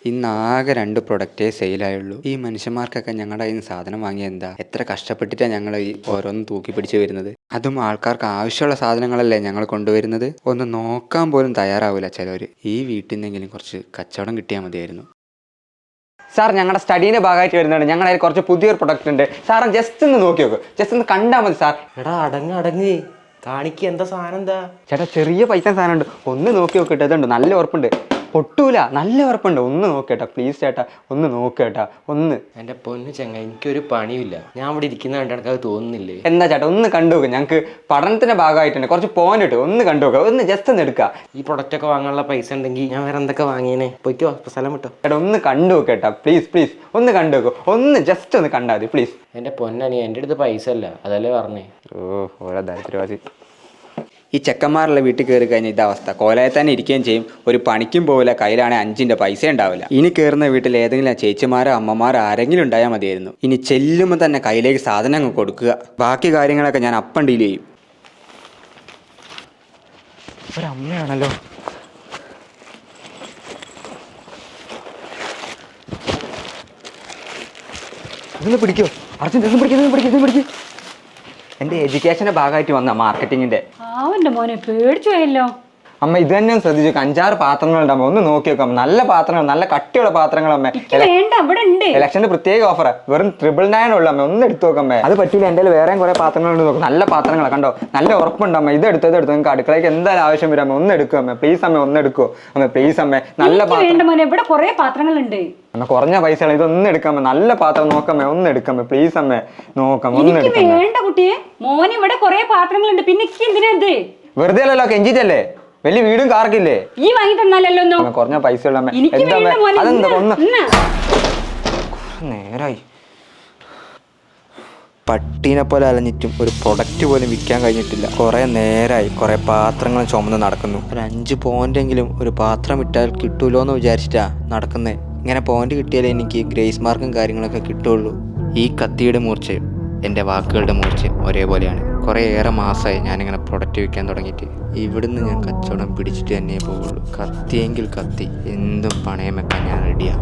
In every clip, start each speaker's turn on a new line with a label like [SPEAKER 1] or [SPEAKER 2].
[SPEAKER 1] ഇന്നാകെ 2 പ്രൊഡക്റ്റേ സെയിലായുള്ളൂ. ഈ മനുഷ്യന്മാർക്കൊക്കെ ഞങ്ങളുടെ കയ്യിൽ നിന്ന് സാധനം വാങ്ങിയ എന്താ? എത്ര കഷ്ടപ്പെട്ടിട്ടാണ് ഞങ്ങൾ ഈ ഓരോന്നും തൂക്കി പിടിച്ച് വരുന്നത്. അതും ആൾക്കാർക്ക് ആവശ്യമുള്ള സാധനങ്ങളല്ലേ ഞങ്ങൾ കൊണ്ടുവരുന്നത്. ഒന്ന് നോക്കാൻ പോലും തയ്യാറാവില്ല ചിലവർ. ഈ വീട്ടിൽ നിന്നെങ്കിലും കുറച്ച് കച്ചവടം കിട്ടിയാൽ മതിയായിരുന്നു. സാർ, ഞങ്ങളുടെ സ്റ്റഡീൻ്റെ ഭാഗമായിട്ട് വരുന്നുണ്ട്. ഞങ്ങളുടെ കുറച്ച് പുതിയൊരു പ്രൊഡക്റ്റ് ഉണ്ട്. സാറ് ജസ്റ്റ് ഒന്ന് നോക്കി നോക്ക്, ജസ്റ്റ് ഒന്ന് കണ്ടാൽ മതി സാർ.
[SPEAKER 2] എടാ അടങ്ങ് കാണിക്ക്, എന്താ സാധനം? എന്താ
[SPEAKER 1] ചേട്ടാ, ചെറിയ പൈസ സാധനം ഉണ്ട്, ഒന്ന് നോക്കി നോക്കിയിട്ട്. ഇതുണ്ട്, നല്ല ഉറപ്പുണ്ട്, പൊട്ടൂല, നല്ല ഉറപ്പുണ്ട്. ഒന്ന് നോക്കേട്ടാ പ്ലീസ് ചേട്ടാ, ഒന്ന് നോക്കേട്ടാ ഒന്ന്.
[SPEAKER 2] എൻ്റെ പൊന്നു ചങ്ങ, എനിക്കൊരു പണിയില്ല. ഞാൻ ഇവിടെ ഇരിക്കുന്ന കണ്ടിടക്ക് അത് തോന്നുന്നില്ലേ?
[SPEAKER 1] എന്താ ചേട്ടാ, ഒന്ന് കണ്ടു നോക്ക്. ഞങ്ങൾക്ക് പഠനത്തിന്റെ ഭാഗമായിട്ടുണ്ട്, കുറച്ച് പോയിന്റ് ഇട്ട് ഒന്ന് കണ്ടു നോക്കുക, ഒന്ന് ജസ്റ്റ് ഒന്ന് എടുക്കുക.
[SPEAKER 2] ഈ പ്രൊഡക്റ്റ് ഒക്കെ വാങ്ങാനുള്ള പൈസ ഉണ്ടെങ്കിൽ ഞാൻ വേറെ എന്തൊക്കെ വാങ്ങിയേനെ. പോയിക്കോ, സ്ഥലം വിട്ടോ.
[SPEAKER 1] ചേട്ടാ ഒന്ന് കണ്ടു നോക്കേട്ടാ പ്ലീസ് പ്ലീസ്, ഒന്ന് കണ്ടു നോക്കൂ, ഒന്ന് ജസ്റ്റ് ഒന്ന് കണ്ടാൽ മതി പ്ലീസ്.
[SPEAKER 2] എൻ്റെ പൊന്നണി, എൻ്റെ അടുത്ത് പൈസ അല്ല, അതല്ലേ പറഞ്ഞേ.
[SPEAKER 1] ഓരോ ദാരിദ്ര്യവാസി. ഈ ചെക്കന്മാരുള്ള വീട്ടിൽ കയറി കഴിഞ്ഞാൽ ഇതവസ്ഥ. കോലയിൽ തന്നെ ഇരിക്കുകയും ചെയ്യും, ഒരു പണിക്കും പോവില്ല, കയ്യിലാണെങ്കിൽ 5 പൈസ ഉണ്ടാവില്ല. ഇനി കയറുന്ന വീട്ടിൽ ഏതെങ്കിലും ചേച്ചിമാരോ അമ്മമാരോ ആരെങ്കിലും ഉണ്ടായാൽ മതിയായിരുന്നു. ഇനി ചെല്ലുമ്പോൾ തന്നെ കയ്യിലേക്ക് സാധനം അങ്ങ് കൊടുക്കുക. ബാക്കി കാര്യങ്ങളൊക്കെ ഞാൻ അപ്പം ഡീൽ ചെയ്യും. ഒരമ്മയാണല്ലോ. ഇതൊന്ന് പിടിക്കോ അർജുൻ, പിടിക്കും. എൻ്റെ എഡ്യൂക്കേഷൻ്റെ ഭാഗമായിട്ട് വന്ന മാർക്കറ്റിങ്ങിൻ്റെ.
[SPEAKER 3] മോനെ പേടിച്ചു പോയല്ലോ.
[SPEAKER 1] അമ്മ ഇത് തന്നെ ശ്രദ്ധിച്ചു, 5-6 പാത്രങ്ങളുണ്ടാകുമ്പോൾ ഒന്ന് നോക്കി നോക്കാം. നല്ല പാത്രങ്ങൾ, നല്ല കട്ടിയുള്ള പാത്രങ്ങൾ അമ്മ. ഇലക്ഷന്റെ പ്രത്യേക ഓഫർ, വെറും 999 ഉള്ളു അമ്മ. ഒന്ന് എടുത്തു നോക്കമ്മേ. അത് പറ്റൂല, എൻ്റെ വേറെയും കുറെ പാത്രങ്ങളുണ്ട് നോക്കും. നല്ല പാത്രങ്ങളാണ്, കണ്ടോ, നല്ല ഉറപ്പുണ്ട് അമ്മ. ഇത് എടുത്തത് നിങ്ങൾക്ക് അടുക്കളയ്ക്ക് എന്തായാലും ആവശ്യം വരും അമ്മ. ഒന്ന് എടുക്കും അമ്മ, പ്ലീസ് അമ്മ, ഒന്ന് എടുക്കോ അമ്മ, പ്ലീസ് അമ്മ. നല്ല
[SPEAKER 3] ഇവിടെ കുറെ പാത്രങ്ങളുണ്ട്
[SPEAKER 1] അമ്മ, കുറഞ്ഞ പൈസയാണ്, ഇതൊന്നും എടുക്കാമേ. നല്ല പാത്രം നോക്കമ്മേ, ഒന്ന് എടുക്കാമേ പ്ലീസ് അമ്മേ. നോക്കാം, ഒന്ന്
[SPEAKER 3] വേണ്ട കുട്ടിയെ. മോനെ ഇവിടെ കുറെ പാത്രങ്ങളുണ്ട്, പിന്നെ എന്തിനാ?
[SPEAKER 1] വെറുതെ അല്ലല്ലോ, കെഞ്ചിട്ടല്ലേ, വലിയ വീടും കാർക്കില്ലേ?
[SPEAKER 3] ഈ വാങ്ങി തന്നാലല്ലോ.
[SPEAKER 1] കുറഞ്ഞ പൈസ ഉള്ള അതെന്താ ഒന്ന് നേരായി. പട്ടീനെ പോലെ അലഞ്ഞിട്ടും ഒരു പ്രൊഡക്റ്റ് പോലും വിൽക്കാൻ കഴിഞ്ഞിട്ടില്ല. കുറെ നേരമായി കുറെ പാത്രങ്ങൾ ചുമന്ന് നടക്കുന്നു. ഒരു 5 പോയിന്റെങ്കിലും ഒരു പാത്രം ഇട്ടാൽ കിട്ടൂലോ എന്ന് വിചാരിച്ചിട്ടാ നടക്കുന്നേ. ഇങ്ങനെ പോയിന്റ് കിട്ടിയാലേ എനിക്ക് ഗ്രേസ് മാർക്കും കാര്യങ്ങളൊക്കെ കിട്ടുള്ളൂ. ഈ കത്തിയുടെ മൂർച്ചയും എൻ്റെ വാക്കുകളുടെ മൂർച്ചയും ഒരേപോലെയാണ്. കുറേ ഏറെ മാസമായി ഞാനിങ്ങനെ പ്രൊഡക്റ്റ് വിൽക്കാൻ തുടങ്ങിയിട്ട്. ഇവിടുന്ന് ഞാൻ കച്ചവടം പിടിച്ചിട്ട് തന്നെ പോകുള്ളൂ. കത്തിയെങ്കിൽ കത്തി, എന്തും പണയം വെക്കാൻ ഞാൻ റെഡിയാ.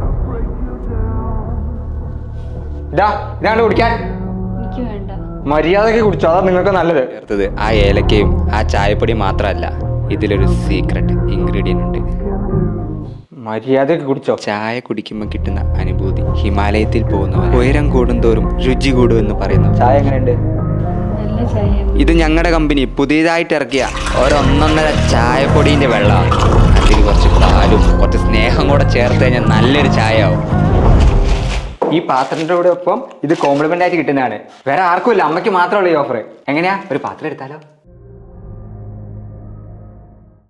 [SPEAKER 1] ഇതാണ് കുടിക്കാൻ. മര്യാദയ്ക്ക് കുടിച്ചോ, അതാ നിങ്ങൾക്ക് നല്ലത്. ചേർത്തത് ആ ഏലക്കയും ആ ചായപ്പൊടി മാത്രമല്ല, ഇതിലൊരു സീക്രട്ട് ഇൻഗ്രീഡിയൻ്റ് ഉണ്ട്. മര്യാദയ്ക്ക് കുടിച്ചോ. ചായ കുടിക്കുമ്പോൾ കിട്ടുന്ന അനുഭൂതി ഹിമാലയത്തിൽ പോകുന്നവർ. ഉയരം കൂടുന്തോറും രുചി കൂടുമെന്ന് പറയുന്നു. ചായ എങ്ങനെയുണ്ട്? ഇത് ഞങ്ങളുടെ കമ്പനി പുതിയതായിട്ട് ഇറക്കിയ 1.5 ചായപ്പൊടീൻ്റെ വെള്ളമാണ്. അതിൽ കുറച്ച് പാലും കുറച്ച് സ്നേഹം കൂടെ ചേർത്ത് കഴിഞ്ഞാൽ നല്ലൊരു ചായ ആവും. ഈ പാത്രത്തിൻ്റെ കൂടെ ഒപ്പം ഇത് കോംപ്ലിമെൻ്റ് ആയിട്ട് കിട്ടുന്നതാണ്. വേറെ ആർക്കും ഇല്ല, അമ്മയ്ക്ക് മാത്രമുള്ള ഈ ഓഫർ. എങ്ങനെയാ, ഒരു പാത്രം എടുത്താലോ?